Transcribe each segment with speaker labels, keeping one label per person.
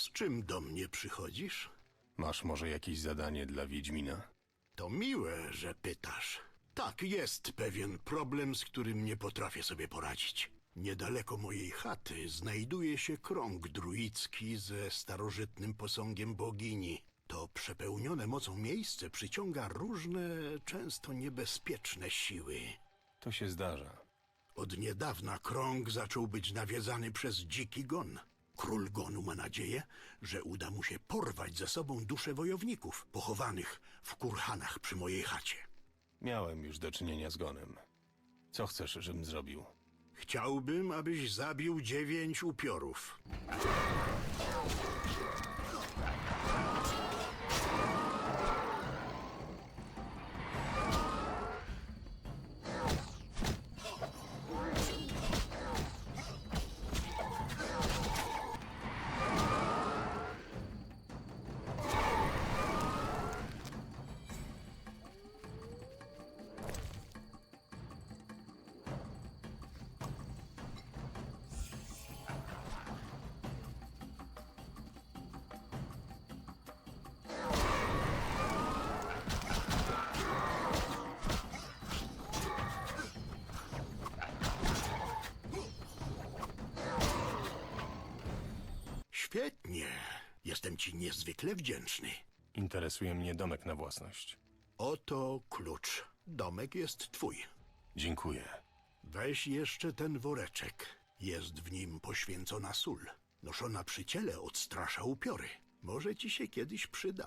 Speaker 1: Z czym do mnie przychodzisz?
Speaker 2: Masz może jakieś zadanie dla Wiedźmina?
Speaker 1: To miłe, że pytasz. Tak, jest pewien problem, z którym nie potrafię sobie poradzić. Niedaleko mojej chaty znajduje się krąg druicki ze starożytnym posągiem bogini. To przepełnione mocą miejsce przyciąga różne, często niebezpieczne siły.
Speaker 2: To się zdarza.
Speaker 1: Od niedawna krąg zaczął być nawiedzany przez dziki gon. Król gonu ma nadzieję, że uda mu się porwać ze sobą dusze wojowników pochowanych w kurhanach przy mojej chacie.
Speaker 2: Miałem już do czynienia z Gonem. Co chcesz, żebym zrobił?
Speaker 1: Chciałbym, abyś zabił 9 upiorów. Świetnie. Jestem ci niezwykle wdzięczny.
Speaker 2: Interesuje mnie domek na własność.
Speaker 1: Oto klucz. Domek jest twój.
Speaker 2: Dziękuję.
Speaker 1: Weź jeszcze ten woreczek. Jest w nim poświęcona sól. Noszona przy ciele odstrasza upiory. Może ci się kiedyś przyda.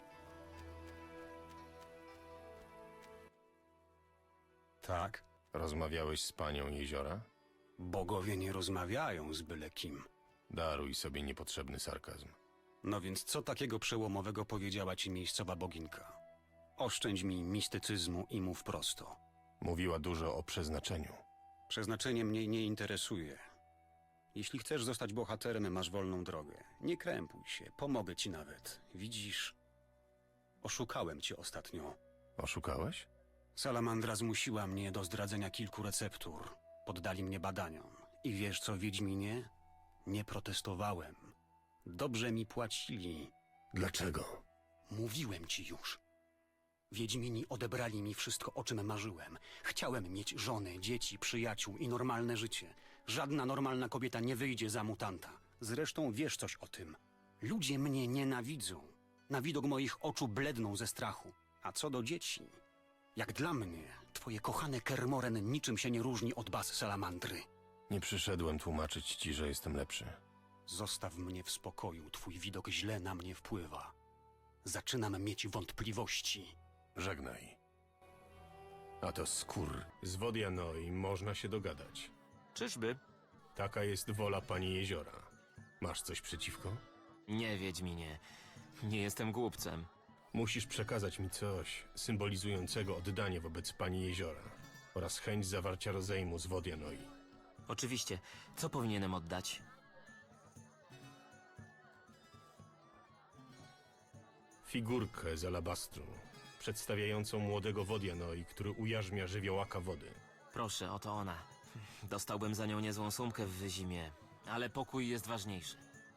Speaker 3: Tak,
Speaker 2: Rozmawiałeś z panią Jeziora?
Speaker 3: bogowie nie rozmawiają z byle kim.
Speaker 2: Daruj sobie niepotrzebny sarkazm.
Speaker 3: No więc co takiego przełomowego powiedziała ci miejscowa boginka? Oszczędź mi mistycyzmu i mów prosto.
Speaker 2: Mówiła dużo o przeznaczeniu.
Speaker 3: Przeznaczenie mnie nie interesuje. Jeśli chcesz zostać bohaterem, masz wolną drogę. Nie krępuj się, pomogę ci nawet. Widzisz, oszukałem cię ostatnio.
Speaker 2: Oszukałeś?
Speaker 3: Salamandra zmusiła mnie do zdradzenia kilku receptur. Poddali mnie badaniom. I wiesz co, Wiedźminie? Nie protestowałem. Dobrze mi płacili.
Speaker 2: Dlaczego?
Speaker 3: Mówiłem ci już. Wiedźmini odebrali mi wszystko, o czym marzyłem. Chciałem mieć żonę, dzieci, przyjaciół i normalne życie. Żadna normalna kobieta nie wyjdzie za mutanta. Zresztą wiesz coś o tym. Ludzie mnie nienawidzą. Na widok moich oczu bledną ze strachu. A co do dzieci? Jak dla mnie, twoje kochane Kermoren niczym się nie różni od baz salamandry.
Speaker 2: Nie przyszedłem tłumaczyć ci, że jestem lepszy.
Speaker 3: Zostaw mnie w spokoju, twój widok źle na mnie wpływa. Zaczynam mieć wątpliwości.
Speaker 2: Żegnaj. A to skór. Z Wodianoi można się dogadać.
Speaker 4: Czyżby?
Speaker 2: Taka jest wola pani Jeziora. Masz coś przeciwko?
Speaker 4: Nie, Wiedźminie. Nie jestem głupcem.
Speaker 2: Musisz przekazać mi coś symbolizującego oddanie wobec pani Jeziora oraz chęć zawarcia rozejmu z Wodianoi.
Speaker 4: Oczywiście. Co powinienem oddać?
Speaker 2: Figurkę z alabastru, przedstawiającą młodego Wodianoi, który ujarzmia żywiołaka wody.
Speaker 4: Proszę, oto ona. Dostałbym za nią niezłą sumkę w Wyzimie, ale pokój jest ważniejszy.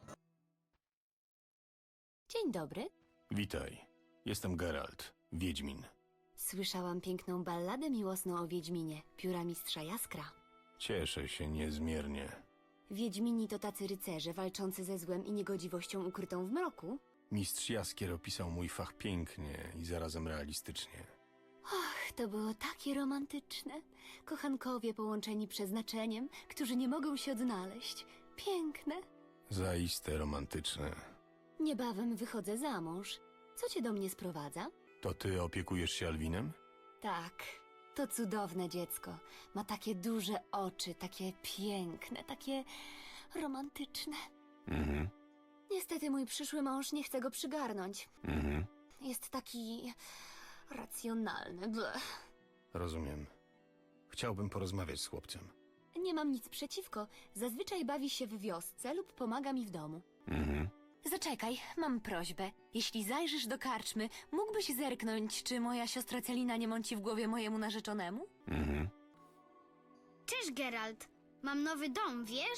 Speaker 5: Dzień dobry.
Speaker 2: Witaj, jestem Geralt, Wiedźmin.
Speaker 5: Słyszałam piękną balladę miłosną o Wiedźminie, pióra mistrza Jaskra.
Speaker 2: Cieszę się niezmiernie.
Speaker 5: Wiedźmini to tacy rycerze walczący ze złem i niegodziwością ukrytą w mroku?
Speaker 2: Mistrz Jaskier opisał mój fach pięknie i zarazem realistycznie.
Speaker 5: Ach, to było takie romantyczne. Kochankowie połączeni przeznaczeniem, którzy nie mogą się odnaleźć. Piękne.
Speaker 2: Zaiste romantyczne.
Speaker 5: Niebawem wychodzę za mąż. Co cię do mnie sprowadza?
Speaker 2: To ty opiekujesz się Alwinem?
Speaker 5: Tak, to cudowne dziecko. Ma takie duże oczy, takie piękne, takie romantyczne.
Speaker 2: Mhm,
Speaker 5: Niestety mój przyszły mąż nie chce go przygarnąć.
Speaker 2: mhm,
Speaker 5: Jest taki racjonalny. Blech.
Speaker 2: rozumiem. Chciałbym porozmawiać z chłopcem.
Speaker 5: Nie mam nic przeciwko. Zazwyczaj bawi się w wiosce lub pomaga mi w domu.
Speaker 2: Mhm.
Speaker 5: Zaczekaj, mam prośbę. Jeśli zajrzysz do karczmy, mógłbyś zerknąć, czy moja siostra Celina nie mąci w głowie mojemu narzeczonemu?
Speaker 2: Mhm.
Speaker 6: Cześć, Geralt. Mam nowy dom, wiesz?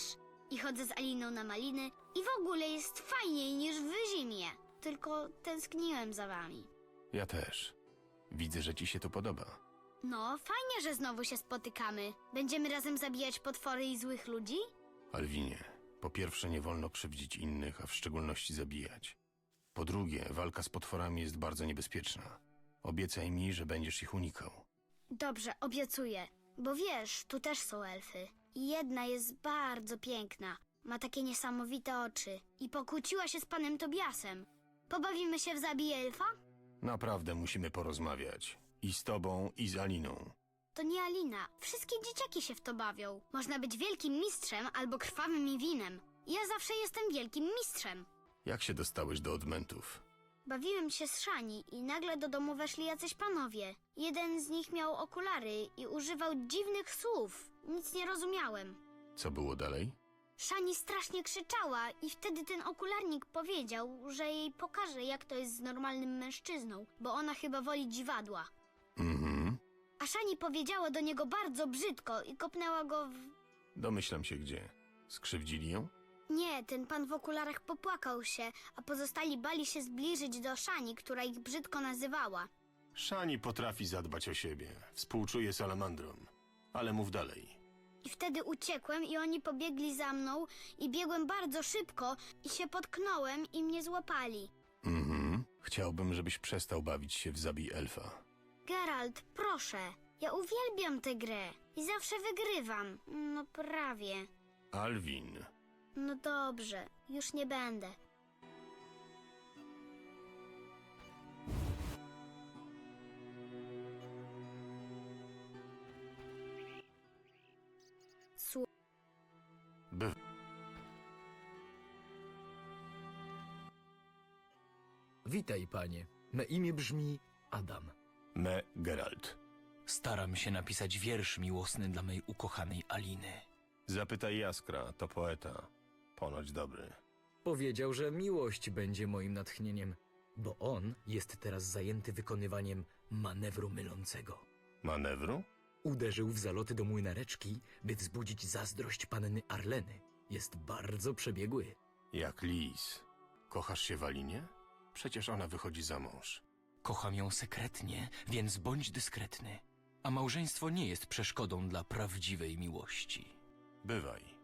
Speaker 6: i chodzę z Aliną na maliny i w ogóle jest fajniej niż w zimie. Tylko tęskniłem za wami.
Speaker 2: Ja też. Widzę, że ci się to podoba.
Speaker 6: No, fajnie, że znowu się spotykamy. Będziemy razem zabijać potwory i złych ludzi?
Speaker 2: Alwinie, po pierwsze nie wolno krzywdzić innych, a w szczególności zabijać. Po drugie, walka z potworami jest bardzo niebezpieczna. Obiecaj mi, że będziesz ich unikał.
Speaker 6: Dobrze, obiecuję. Bo wiesz, tu też są elfy. I jedna jest bardzo piękna. Ma takie niesamowite oczy. I pokłóciła się z panem Tobiasem. Pobawimy się w zabij elfa?
Speaker 2: Naprawdę musimy porozmawiać. I z tobą, i z Aliną.
Speaker 6: To nie Alina. Wszystkie dzieciaki się w to bawią. Można być wielkim mistrzem albo krwawym i winem. Ja zawsze jestem wielkim mistrzem.
Speaker 2: Jak się dostałeś do odmentów?
Speaker 6: Bawiłem się z Szani i nagle do domu weszli jacyś panowie. Jeden z nich miał okulary i używał dziwnych słów. Nic nie rozumiałem.
Speaker 2: Co było dalej?
Speaker 6: Szani strasznie krzyczała i wtedy ten okularnik powiedział, że jej pokaże, jak to jest z normalnym mężczyzną, bo ona chyba woli dziwadła.
Speaker 2: Mhm.
Speaker 6: A Szani powiedziała do niego bardzo brzydko i kopnęła go w...
Speaker 2: Domyślam się gdzie. Skrzywdzili ją?
Speaker 6: Nie, ten pan w okularach popłakał się, a pozostali bali się zbliżyć do Szani, która ich brzydko nazywała.
Speaker 2: Szani potrafi zadbać o siebie. Współczuje salamandrom. Ale mów dalej.
Speaker 6: I wtedy uciekłem i oni pobiegli za mną i biegłem bardzo szybko i się potknąłem i mnie złapali.
Speaker 2: Mhm. Chciałbym, żebyś przestał bawić się w zabij elfa.
Speaker 6: Geralt, proszę, ja uwielbiam tę grę i zawsze wygrywam. No prawie.
Speaker 2: Alwin.
Speaker 6: No dobrze, już nie będę.
Speaker 2: By...
Speaker 7: Witaj, panie. Me imię brzmi Adam.
Speaker 2: Me Geralt.
Speaker 7: Staram się napisać wiersz miłosny dla mej ukochanej Aliny.
Speaker 2: Zapytaj Jaskra, to poeta. Ponoć dobry.
Speaker 7: Powiedział, że miłość będzie moim natchnieniem, bo on jest teraz zajęty wykonywaniem manewru mylącego.
Speaker 2: Manewru?
Speaker 7: Uderzył w zaloty do młynareczki, by wzbudzić zazdrość panny Arleny. Jest bardzo przebiegły.
Speaker 2: Jak lis. Kochasz się w Alinie? Przecież ona wychodzi za mąż.
Speaker 7: Kocham ją sekretnie, więc bądź dyskretny. A małżeństwo nie jest przeszkodą dla prawdziwej miłości.
Speaker 2: Bywaj.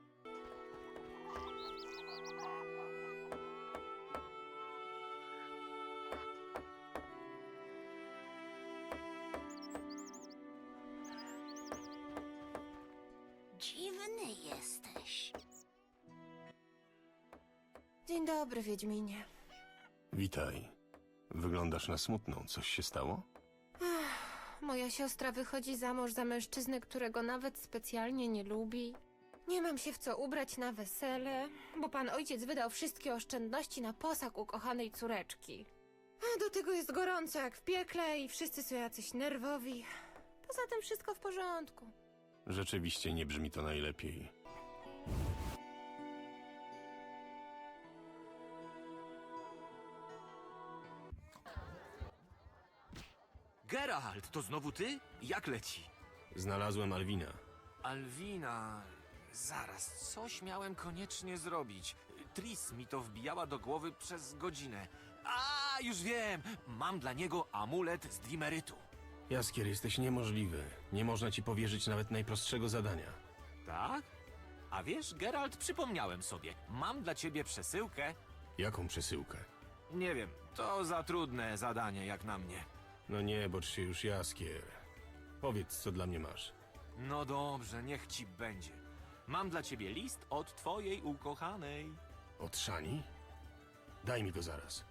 Speaker 6: Dziwny jesteś.
Speaker 8: Dzień dobry, Wiedźminie.
Speaker 2: Witaj. Wyglądasz na smutną. Coś się stało?
Speaker 8: Moja siostra wychodzi za mąż za mężczyznę, którego nawet specjalnie nie lubi. Nie mam się w co ubrać na wesele, bo pan ojciec wydał wszystkie oszczędności na posag ukochanej córeczki. A do tego jest gorąco jak w piekle i wszyscy są jacyś nerwowi. Poza tym wszystko w porządku.
Speaker 2: Rzeczywiście nie brzmi to najlepiej.
Speaker 4: Geralt, to znowu ty? Jak leci?
Speaker 2: Znalazłem Alwina.
Speaker 4: Alwina... Zaraz, coś miałem koniecznie zrobić. Tris mi to wbijała do głowy przez godzinę. A, już wiem! Mam dla niego amulet z Dimerytu.
Speaker 2: Jaskier, jesteś niemożliwy. Nie można ci powierzyć nawet najprostszego zadania.
Speaker 4: Tak? A wiesz, Geralt, przypomniałem sobie. Mam dla ciebie przesyłkę.
Speaker 2: Jaką przesyłkę?
Speaker 4: Nie wiem, to za trudne zadanie jak na mnie.
Speaker 2: No nie, bocz się już, Jaskier. Powiedz, co dla mnie masz.
Speaker 4: No dobrze, niech ci będzie. Mam dla ciebie list od twojej ukochanej.
Speaker 2: Od Szani? Daj mi go zaraz.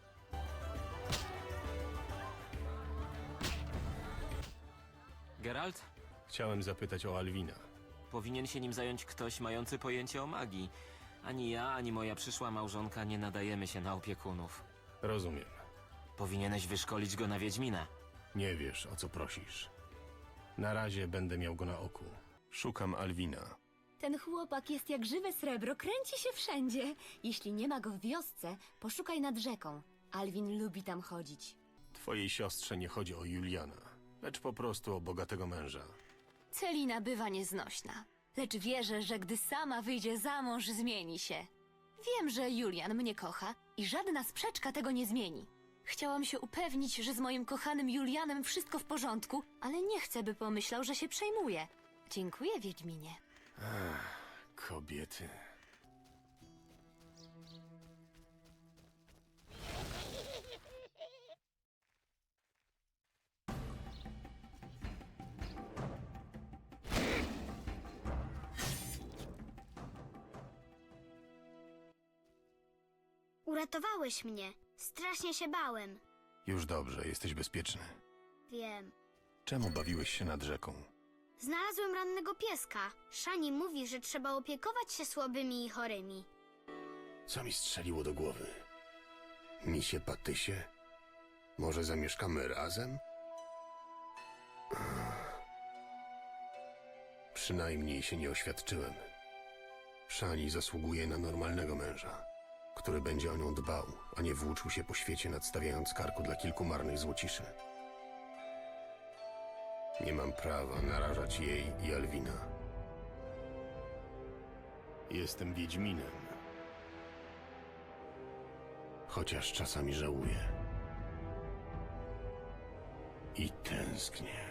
Speaker 4: Geralt?
Speaker 2: Chciałem zapytać o Alwina.
Speaker 4: Powinien się nim zająć ktoś mający pojęcie o magii. Ani ja, ani moja przyszła małżonka nie nadajemy się na opiekunów.
Speaker 2: Rozumiem.
Speaker 4: Powinieneś wyszkolić go na Wiedźmina.
Speaker 2: Nie wiesz, o co prosisz. Na razie będę miał go na oku. Szukam Alwina.
Speaker 5: Ten chłopak jest jak żywe srebro, kręci się wszędzie. Jeśli nie ma go w wiosce, poszukaj nad rzeką. Alwin lubi tam chodzić.
Speaker 2: Twojej siostrze nie chodzi o Juliana, lecz po prostu o bogatego męża.
Speaker 5: Celina bywa nieznośna. lecz wierzę, że gdy sama wyjdzie za mąż, zmieni się. Wiem, że Julian mnie kocha i żadna sprzeczka tego nie zmieni. Chciałam się upewnić, że z moim kochanym Julianem wszystko w porządku, ale nie chcę, by pomyślał, że się przejmuje. Dziękuję, Wiedźminie.
Speaker 2: Kobiety.
Speaker 6: Uratowałeś mnie. Strasznie się bałem.
Speaker 2: Już dobrze, jesteś bezpieczny.
Speaker 6: Wiem.
Speaker 2: Czemu bawiłeś się nad rzeką?
Speaker 6: Znalazłem rannego pieska. Szani mówi, że trzeba opiekować się słabymi i chorymi.
Speaker 2: Co mi strzeliło do głowy? Misie Patysie? Może zamieszkamy razem? Przynajmniej się nie oświadczyłem. Szani zasługuje na normalnego męża, który będzie o nią dbał, a nie włóczył się po świecie, nadstawiając karku dla kilku marnych złociszy. Nie mam prawa narażać jej i Alwina. Jestem Wiedźminem. Chociaż czasami żałuję. I tęsknię.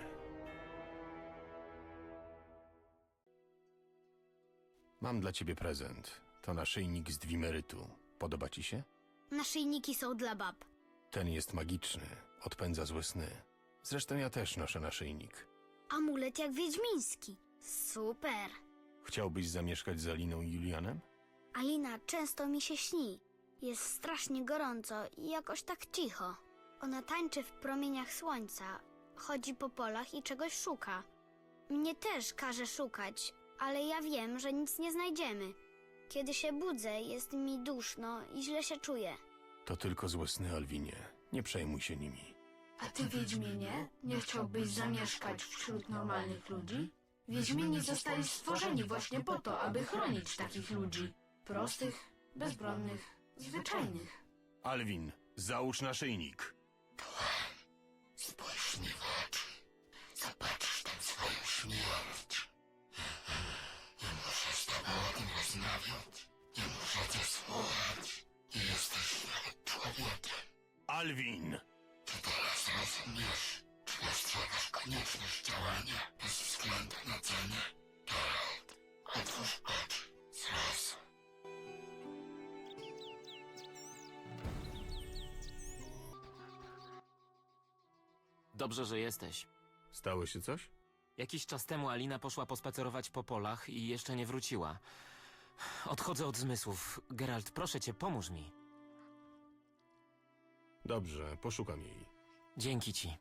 Speaker 2: Mam dla ciebie prezent. To naszyjnik z dwimerytu. Podoba ci się?
Speaker 6: Naszyjniki są dla bab.
Speaker 2: Ten jest magiczny. Odpędza złe sny. Zresztą ja też noszę naszyjnik.
Speaker 6: Amulet jak wiedźmiński. Super.
Speaker 2: Chciałbyś zamieszkać z Aliną i Julianem?
Speaker 6: Alina często mi się śni. Jest strasznie gorąco i jakoś tak cicho. Ona tańczy w promieniach słońca, chodzi po polach i czegoś szuka. Mnie też każe szukać, ale ja wiem, że nic nie znajdziemy. Kiedy się budzę, jest mi duszno i źle się czuję.
Speaker 2: To tylko złe sny, Alwinie. Nie przejmuj się nimi.
Speaker 9: A ty, Wiedźminie, nie chciałbyś zamieszkać wśród normalnych ludzi? Wiedźmini zostali stworzeni właśnie po to, aby chronić takich ludzi. Prostych, bezbronnych, zwyczajnych.
Speaker 2: Alwin, załóż naszyjnik.
Speaker 9: Spójrz mi w oczy. Zobaczysz tam swoją śmierć. Nie muszę z tobą o tym rozmawiać. Nie muszę cię słuchać. Nie jesteś nawet człowiekiem.
Speaker 2: Alwin!
Speaker 9: Czy teraz rozumiesz? Czy dostrzegasz konieczność działania bez względu na cenę? Geralt, otwórz oczy. Zrozum.
Speaker 10: Dobrze, że jesteś.
Speaker 2: Stało się coś?
Speaker 10: Jakiś czas temu Alina poszła pospacerować po polach i jeszcze nie wróciła. Odchodzę od zmysłów. Geralt, proszę cię, pomóż mi.
Speaker 2: Dobrze, poszukam jej.
Speaker 10: Dzięki ci.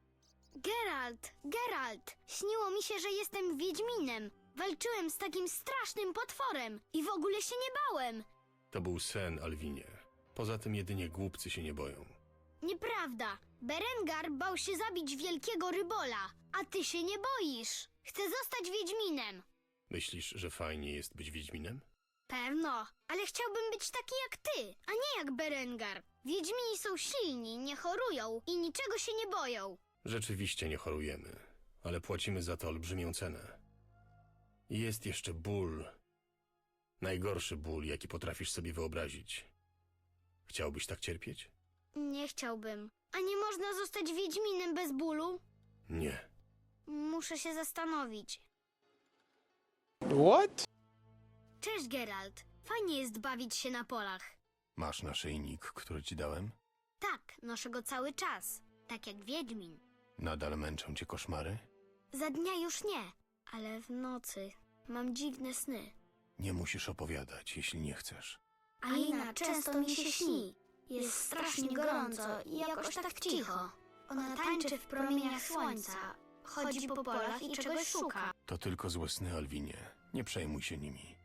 Speaker 6: Geralt! Śniło mi się, że jestem wiedźminem. Walczyłem z takim strasznym potworem i w ogóle się nie bałem.
Speaker 2: To był sen, Alwinie. Poza tym jedynie głupcy się nie boją.
Speaker 6: Nieprawda. Berengar bał się zabić wielkiego rybola, a ty się nie boisz. Chcę zostać wiedźminem.
Speaker 2: Myślisz, że fajnie jest być Wiedźminem?
Speaker 6: Pewno, ale chciałbym być taki jak ty, a nie jak Berengar. Wiedźmini są silni, nie chorują i niczego się nie boją.
Speaker 2: Rzeczywiście nie chorujemy, ale płacimy za to olbrzymią cenę. I jest jeszcze ból. Najgorszy ból, jaki potrafisz sobie wyobrazić. Chciałbyś tak cierpieć?
Speaker 6: Nie chciałbym. A nie można zostać wiedźminem bez bólu?
Speaker 2: Nie.
Speaker 6: Muszę się zastanowić.
Speaker 11: What?
Speaker 6: Cześć, Geralt. Fajnie jest bawić się na polach.
Speaker 2: Masz naszyjnik, który ci dałem?
Speaker 6: Tak, noszę go cały czas. Tak jak wiedźmin.
Speaker 2: Nadal męczą cię koszmary?
Speaker 6: Za dnia już nie, ale w nocy mam dziwne sny.
Speaker 2: Nie musisz opowiadać, jeśli nie chcesz.
Speaker 6: Alina często mi się śni. Jest strasznie gorąco i jakoś tak cicho. Ona tańczy w promieniach słońca, chodzi po polach i czegoś szuka.
Speaker 2: To tylko złe sny, Alwinie. Nie przejmuj się nimi.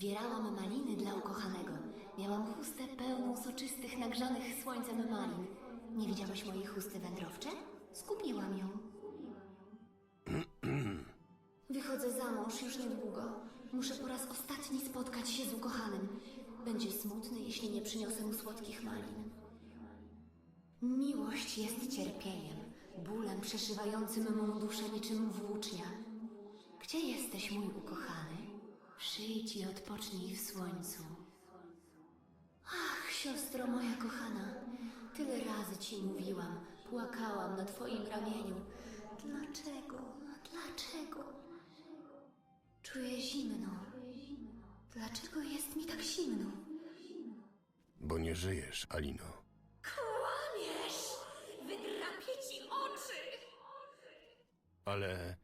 Speaker 5: Zbierałam maliny dla ukochanego. Miałam chustę pełną soczystych, nagrzanych słońcem malin. Nie widziałeś mojej chusty wędrowcze? Skupiłam ją. Wychodzę za mąż już niedługo. Muszę po raz ostatni spotkać się z ukochanym. Będzie smutny, jeśli nie przyniosę mu słodkich malin. Miłość jest cierpieniem, bólem przeszywającym mą duszę niczym włócznia. Gdzie jesteś, mój ukochany? Przyjdź i odpocznij w słońcu. Ach, siostro moja kochana, tyle razy ci mówiłam, płakałam na twoim ramieniu. Dlaczego? Dlaczego? Czuję zimno. Dlaczego jest mi tak zimno?
Speaker 2: Bo nie żyjesz, Alino.
Speaker 5: Kłamiesz! Wydrapię ci oczy!
Speaker 2: Ale...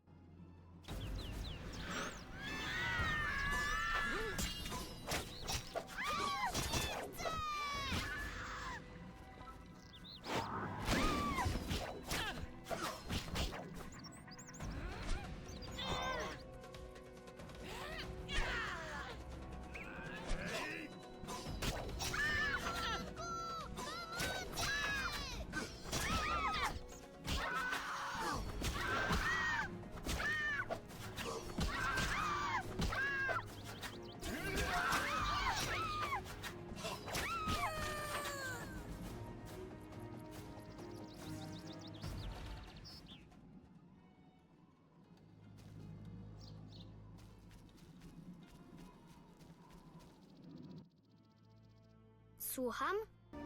Speaker 6: Słucham?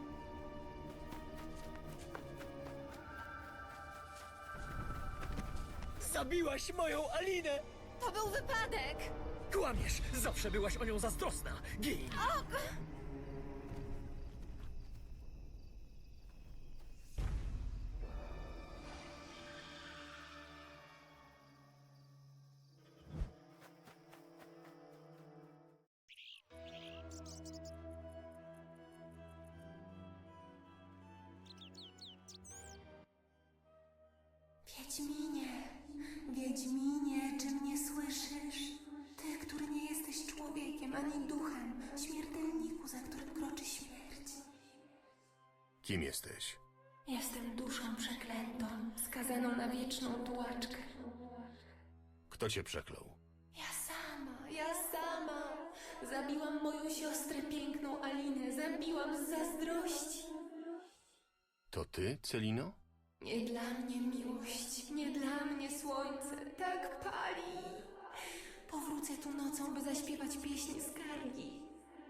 Speaker 7: Zabiłaś moją Alinę!
Speaker 5: To był wypadek!
Speaker 7: Kłamiesz! Zawsze byłaś o nią zazdrosna! Gin!
Speaker 11: Wiedźminie, Wiedźminie, czy mnie słyszysz? Ty, który nie jesteś człowiekiem ani duchem, śmiertelniku, za którym kroczy śmierć.
Speaker 2: Kim jesteś?
Speaker 11: Jestem duszą przeklętą, skazaną na wieczną tułaczkę.
Speaker 2: Kto cię przeklął?
Speaker 11: Ja sama. Zabiłam moją siostrę piękną Alinę, zabiłam z zazdrości.
Speaker 2: To ty, Celino?
Speaker 11: Nie dla mnie miłość, nie dla mnie słońce, tak pali. Powrócę tu nocą, by zaśpiewać pieśń skargi.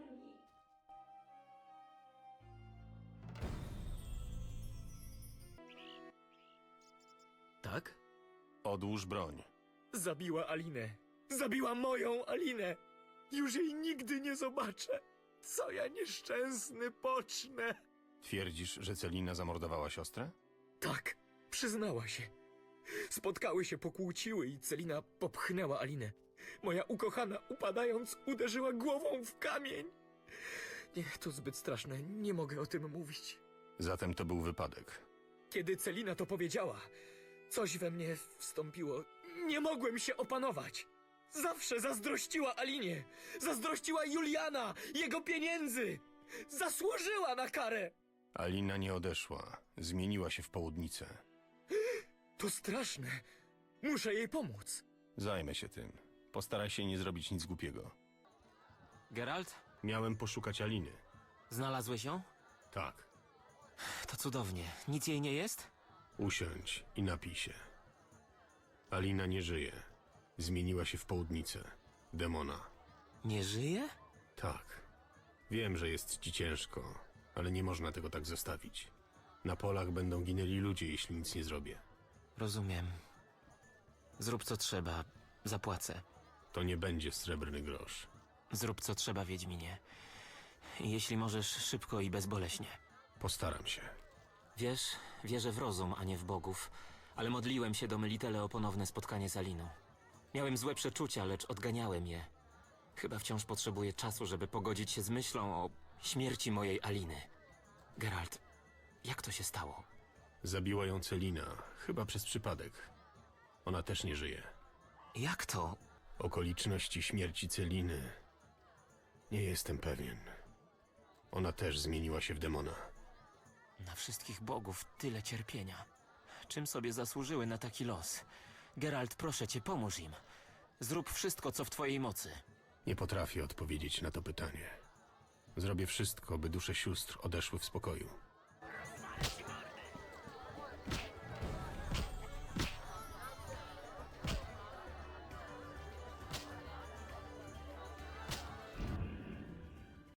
Speaker 7: Tak?
Speaker 2: Odłóż broń.
Speaker 7: Zabiła Alinę. Zabiła moją Alinę. Już jej nigdy nie zobaczę. Co ja nieszczęsny pocznę?
Speaker 2: Twierdzisz, że Celina zamordowała siostrę?
Speaker 7: Tak, przyznała się. Spotkały się, pokłóciły i Celina popchnęła Alinę. Moja ukochana, upadając, uderzyła głową w kamień. Nie, to zbyt straszne, nie mogę o tym mówić.
Speaker 2: Zatem to był wypadek.
Speaker 7: Kiedy Celina to powiedziała, coś we mnie wstąpiło. Nie mogłem się opanować. Zawsze zazdrościła Alinie. Zazdrościła Juliana, jego pieniędzy. Zasłużyła na karę.
Speaker 2: Alina nie odeszła. Zmieniła się w południcę.
Speaker 7: To straszne. Muszę jej pomóc.
Speaker 2: Zajmę się tym. Postaraj się nie zrobić nic głupiego.
Speaker 10: Geralt?
Speaker 2: Miałem poszukać Aliny.
Speaker 10: Znalazłeś ją?
Speaker 2: Tak.
Speaker 10: To cudownie. Nic jej nie jest?
Speaker 2: Usiądź i napij się. Alina nie żyje. Zmieniła się w południcę. Demona.
Speaker 10: Nie żyje?
Speaker 2: Tak. Wiem, że jest ci ciężko, ale nie można tego tak zostawić. Na polach będą ginęli ludzie, jeśli nic nie zrobię.
Speaker 10: Rozumiem. Zrób co trzeba. Zapłacę.
Speaker 2: To nie będzie srebrny grosz.
Speaker 10: Zrób co trzeba, Wiedźminie. Jeśli możesz, szybko i bezboleśnie.
Speaker 2: Postaram się.
Speaker 10: Wiesz, wierzę w rozum, a nie w bogów, ale modliłem się do Melitele o ponowne spotkanie z Aliną. Miałem złe przeczucia, lecz odganiałem je. Chyba wciąż potrzebuję czasu, żeby pogodzić się z myślą o śmierci mojej Aliny. Geralt, jak to się stało?
Speaker 2: Zabiła ją Celina, chyba przez przypadek. Ona też nie żyje.
Speaker 10: Jak to?
Speaker 2: Okoliczności śmierci Celiny Nie jestem pewien. Ona też zmieniła się w demona.
Speaker 10: Na wszystkich bogów tyle cierpienia. Czym sobie zasłużyły na taki los? Geralt, proszę cię, pomóż im. Zrób wszystko, co w twojej mocy.
Speaker 2: Nie potrafię odpowiedzieć na to pytanie. Zrobię wszystko, by dusze sióstr odeszły w spokoju.